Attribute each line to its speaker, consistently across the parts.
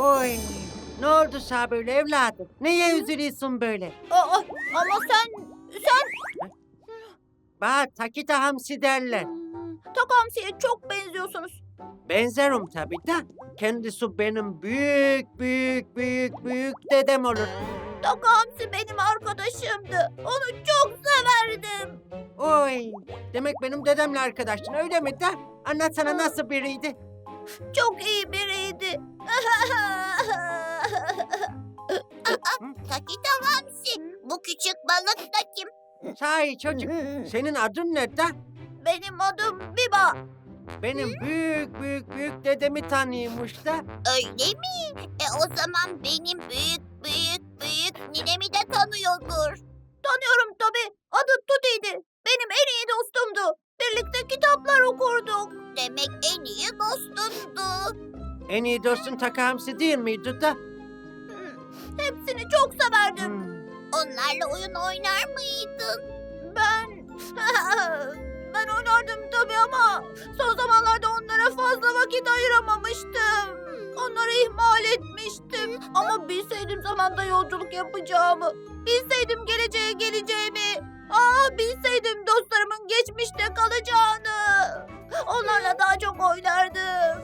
Speaker 1: Oy, ne oldu sana böyle evladım? Neye üzülüyorsun böyle?
Speaker 2: Ama sen
Speaker 1: Bana Takita Hamsi derler.
Speaker 2: Takamsi'ye çok benziyorsunuz.
Speaker 1: Benzerim tabii de. Kendisi benim büyük büyük büyük büyük dedem olur.
Speaker 2: Takamsi benim arkadaşımdı. Onu çok severdim.
Speaker 1: Oy, demek benim dedemle arkadaştın öyle mi de? Anlatsana nasıl biriydi?
Speaker 2: Çok iyi biriydi. Takita Hamsi, bu küçük balık da kim?
Speaker 1: Sahi çocuk, senin adın ne de?
Speaker 2: Benim adım Biba.
Speaker 1: Benim büyük büyük büyük dedemi tanıyormuş da.
Speaker 2: Öyle mi? O zaman benim büyük büyük büyük ninemi de tanıyordur. Tanıyorum tabii. Adı Tuti'ydi. Benim en iyi dostumdu. Birlikte kitaplar okurduk. Demek en iyi dostumdu.
Speaker 1: En iyi dostun Taka Hamsi değil miydi da?
Speaker 2: Hepsini çok severdim.
Speaker 3: Onlarla oyun oynar mıydın?
Speaker 2: Ben oynardım tabii ama son zamanlarda onlara fazla vakit ayıramamıştım. Onları ihmal etmiştim. Ama bilseydim zamanda yolculuk yapacağımı, bilseydim geleceğe geleceğimi, bilseydim dostlarımın geçmişte kalacağını, onlarla daha çok oynardım.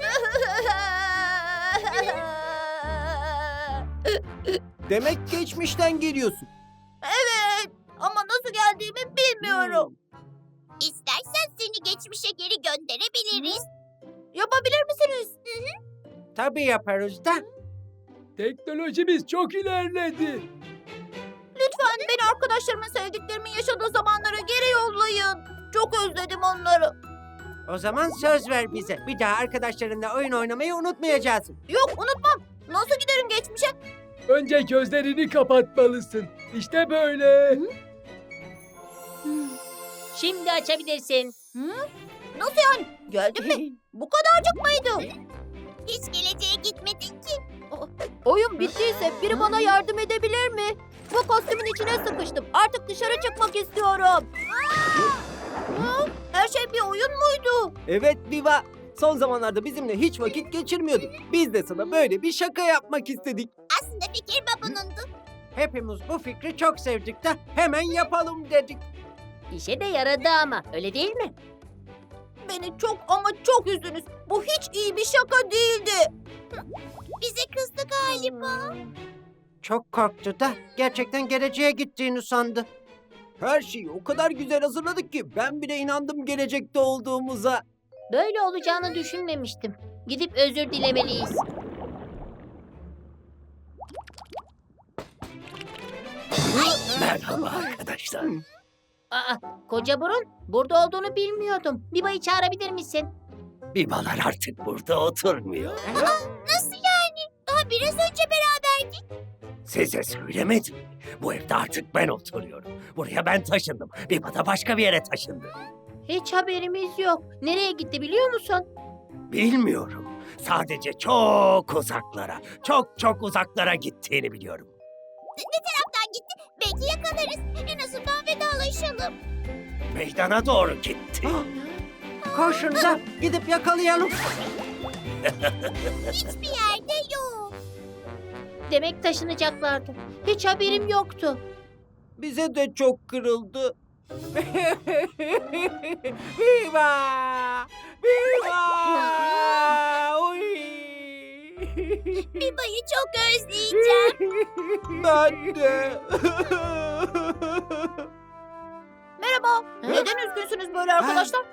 Speaker 4: Demek geçmişten geliyorsun.
Speaker 2: Evet, ama nasıl geldiğimi bilmiyorum.
Speaker 3: İstersen seni geçmişe geri gönderebiliriz.
Speaker 2: Yapabilir misiniz?
Speaker 1: Tabii yaparız da.
Speaker 4: Teknolojimiz çok ilerledi.
Speaker 2: Lütfen beni arkadaşlarımın, sevdiklerimin yaşadığı zamanlara geri yollayın. Çok özledim onları.
Speaker 1: O zaman söz ver bize. Bir daha arkadaşlarınla oyun oynamayı unutmayacağız.
Speaker 2: Yok, unutmam. Nasıl giderim geçmişe?
Speaker 4: Önce gözlerini kapatmalısın. İşte böyle.
Speaker 5: Şimdi açabilirsin.
Speaker 2: Nasıl yani? Geldin mi? Bu kadarcık mıydı?
Speaker 3: Hiç geleceğe gitmedin ki.
Speaker 2: Oyun bittiyse biri bana yardım edebilir mi? Bu kostümün içine sıkıştım. Artık dışarı çıkmak istiyorum. Her şey bir oyun muydu?
Speaker 4: Evet Viva. Son zamanlarda bizimle hiç vakit geçirmiyordun. Biz de sana böyle bir şaka yapmak istedik.
Speaker 3: Aslında fikir babunundu.
Speaker 1: Hepimiz bu fikri çok sevdik de hemen yapalım dedik.
Speaker 5: İşe de yaradı ama öyle değil mi?
Speaker 2: Beni çok ama çok üzdünüz. Bu hiç iyi bir şaka değildi.
Speaker 3: Bize kızdı galiba.
Speaker 1: Çok korktu da gerçekten geleceğe gittiğini sandı.
Speaker 4: Her şeyi o kadar güzel hazırladık ki ben bile inandım gelecekte olduğumuza.
Speaker 5: Böyle olacağını düşünmemiştim. Gidip özür dilemeliyiz.
Speaker 6: Merhaba arkadaşlar.
Speaker 5: Aa, koca burun, burada olduğunu bilmiyordum. Biba'yı çağırabilir misin?
Speaker 6: Bibalar artık burada oturmuyor.
Speaker 3: Nasıl yani? Daha biraz önce beraberdik.
Speaker 6: Size söylemedim mi? Bu evde artık ben oturuyorum. Buraya ben taşındım. Biba da başka bir yere taşındı.
Speaker 5: Hiç haberimiz yok. Nereye gitti biliyor musun?
Speaker 6: Bilmiyorum. Sadece çok uzaklara, çok çok uzaklara gittiğini biliyorum.
Speaker 3: Ne taraftan gitti? Belki yakalarız. En azından vedalaşalım.
Speaker 6: Meydana doğru gitti.
Speaker 1: Koşun da gidip yakalayalım.
Speaker 3: Hiçbir yerde yok.
Speaker 5: Demek taşınacaklardı. Hiç haberim yoktu.
Speaker 4: Bize de çok kırıldı.
Speaker 1: Viva! Viva! Oy!
Speaker 3: Biba'yı çok özleyeceğim.
Speaker 4: Ben de.
Speaker 2: Merhaba. Neden üzgünsünüz böyle arkadaşlar?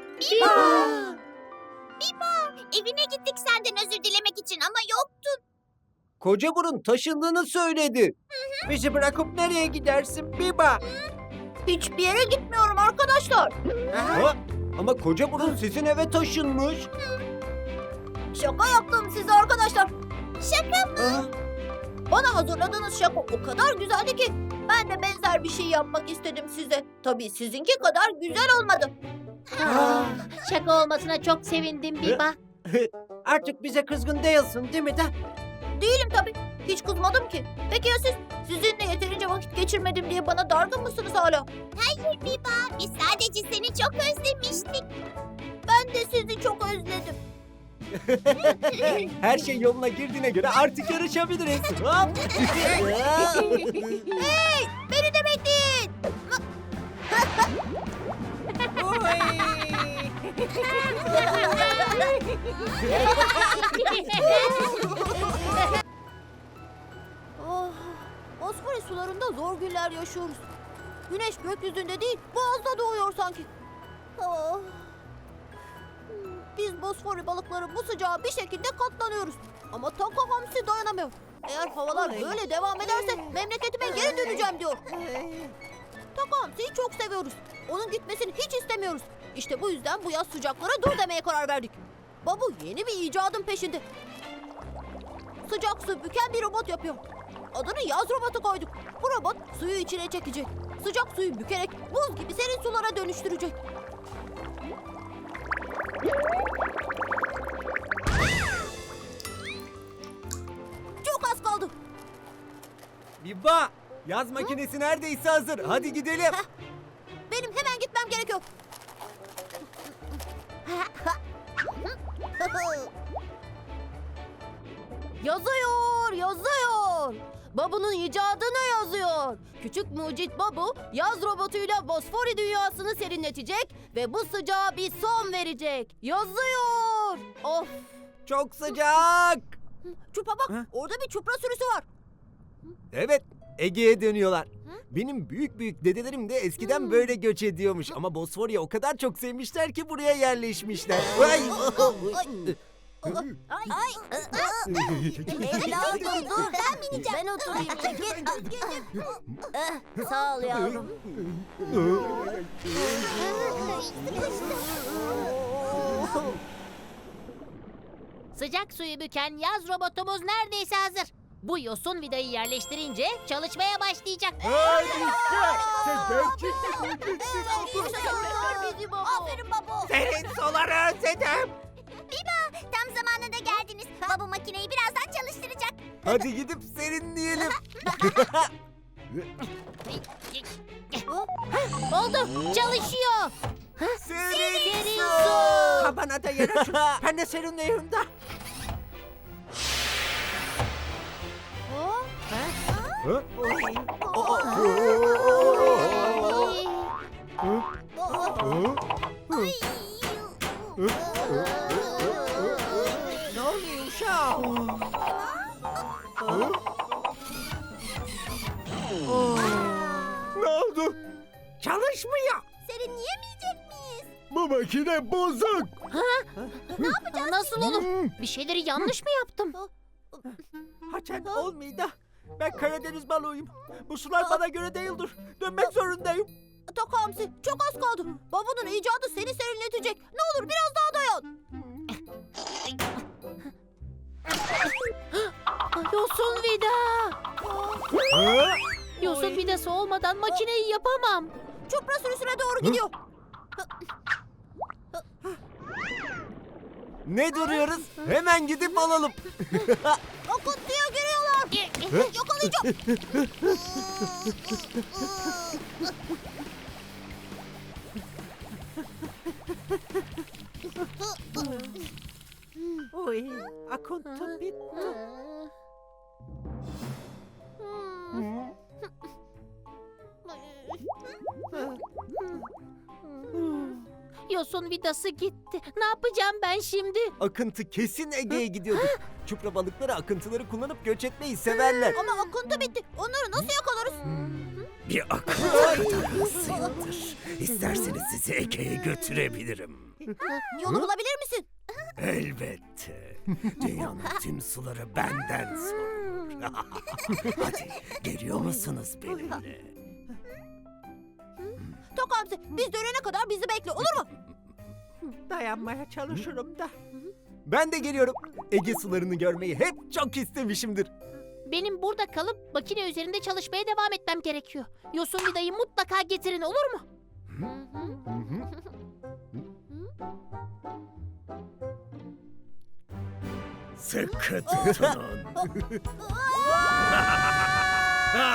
Speaker 3: Evine gittik senden özür dilemek için ama yoktun.
Speaker 4: Koca burun taşındığını söyledi.
Speaker 1: Bizi bırakıp nereye gidersin Biba?
Speaker 2: Hiçbir yere gitmiyorum arkadaşlar.
Speaker 4: Ha? Ama koca burun sizin eve taşınmış.
Speaker 2: Şaka yaptım size arkadaşlar.
Speaker 3: Şaka mı?
Speaker 4: Ha?
Speaker 2: Bana hazırladığınız şaka o kadar güzeldi ki ben de benzer bir şey yapmak istedim size. Tabii sizinki kadar güzel olmadı.
Speaker 5: Şaka olmasına çok sevindim Biba.
Speaker 1: Artık bize kızgın değilsin değil mi de?
Speaker 2: Değilim tabii. Hiç kızmadım ki. Peki ya siz? Sizinle yeterince vakit geçirmedim diye bana dargın mısınız hala?
Speaker 3: Hayır Biba. Biz sadece seni çok özlemiştik.
Speaker 2: Ben de sizi çok özledim.
Speaker 4: Her şey yoluna girdiğine göre artık yarışabiliriz. Hop.
Speaker 2: Beni de bekleyin. Oh, Bosphorus sularında zor günler yaşıyoruz. Güneş gökyüzünde değil, boğazda doğuyor sanki. Oh. Biz Bosphorus balıkları bu sıcağa bir şekilde katlanıyoruz. Ama Taka Hamsi dayanamıyor. Eğer havalar böyle devam ederse memleketime geri döneceğim diyor. Taka Hamsi'yi çok seviyoruz. Onun gitmesini hiç istemiyoruz. İşte bu yüzden bu yaz sıcaklara dur demeye karar verdik. Babu yeni bir icadın peşinde. Sıcak su büken bir robot yapıyor. Adını yaz robotu koyduk. Bu robot suyu içine çekecek. Sıcak suyu bükerek buz gibi serin sulara dönüştürecek. Çok az kaldı.
Speaker 4: Biba, yaz makinesi neredeyse hazır. Hadi gidelim.
Speaker 2: Benim hemen gitmem gerekiyor. Yazıyor, yazıyor. Babu'nun icadını yazıyor. Küçük mucit Babu, yaz robotuyla Bosfori dünyasını serinletecek ve bu sıcağa bir son verecek. Yazıyor. Of.
Speaker 4: Çok sıcak.
Speaker 2: Çupa bak,
Speaker 4: Ha?
Speaker 2: orada bir çupra sürüsü var.
Speaker 4: Evet, Ege'ye dönüyorlar. Benim büyük büyük dedelerim de eskiden böyle göç ediyormuş. Ama Bosfor'u o kadar çok sevmişler ki buraya yerleşmişler. Ay!
Speaker 2: Ay. Evladım dur, ben bineceğim. Ben oturayım, çekil. Sağ ol yavrum.
Speaker 5: Sıcak suyu büken yaz robotumuz neredeyse hazır. Bu yosun vidayı yerleştirince çalışmaya başlayacak.
Speaker 2: Aferin baba.
Speaker 6: Senin suları özledim.
Speaker 3: Tam zamanında geldiniz. Baba makineyi birazdan çalıştıracak.
Speaker 4: Hadi gidip serinleyelim.
Speaker 5: Oldu, çalışıyor.
Speaker 4: Serin
Speaker 5: Serin
Speaker 4: su.
Speaker 5: su.
Speaker 6: Kabana da yer açın. Ben de serinleyeyim de.
Speaker 4: Hı?
Speaker 6: Ne oluyor uşağım?
Speaker 4: Ne oldu?
Speaker 6: Çalışmıyor.
Speaker 2: Serinleyemeyecek miyiz?
Speaker 4: Bu makine bozuk.
Speaker 5: Nasıl olur? Bir şeyleri yanlış mı yaptım?
Speaker 6: Haçan olmuyor da. Ben Karadeniz balığıyım. Bu sular bana göre değildir. Dönmek zorundayım.
Speaker 2: Taka Hamsi, çok az kaldı. Babanın icadı seni serinletecek. Ne olur biraz daha dayan.
Speaker 5: Yosun vida.
Speaker 4: Hı?
Speaker 5: Yosun vidası olmadan makineyi yapamam.
Speaker 2: Çupra sürüsüne doğru gidiyor.
Speaker 4: Ne duruyoruz? Hemen gidip alalım.
Speaker 2: Akıntıya giriyorlar. Yakalayacağım.
Speaker 6: Oy, akıntı bitti.
Speaker 5: Yosun vidası gitti. Ne yapacağım ben şimdi?
Speaker 4: Akıntı kesin Ege'ye gidiyordur. Çupra balıkları akıntıları kullanıp göç etmeyi severler.
Speaker 2: Ama akıntı bitti. Onları nasıl yakalarız?
Speaker 6: Bir akıntı kadar hızlıyımdır. İsterseniz sizi Ege'ye götürebilirim.
Speaker 2: Yolu bulabilir misin?
Speaker 6: Elbette. Dünyanın tüm suları benden sorulur. Hadi geliyor musunuz benimle?
Speaker 2: Taka Hamsi, biz dönene kadar bizi bekle, olur mu?
Speaker 6: Dayanmaya çalışırım da.
Speaker 4: Ben de geliyorum. Ege sularını görmeyi hep çok istemişimdir.
Speaker 5: Benim burada kalıp makine üzerinde çalışmaya devam etmem gerekiyor. Yosun vidayı mutlaka getirin, olur mu?
Speaker 6: Sıkı tutunun.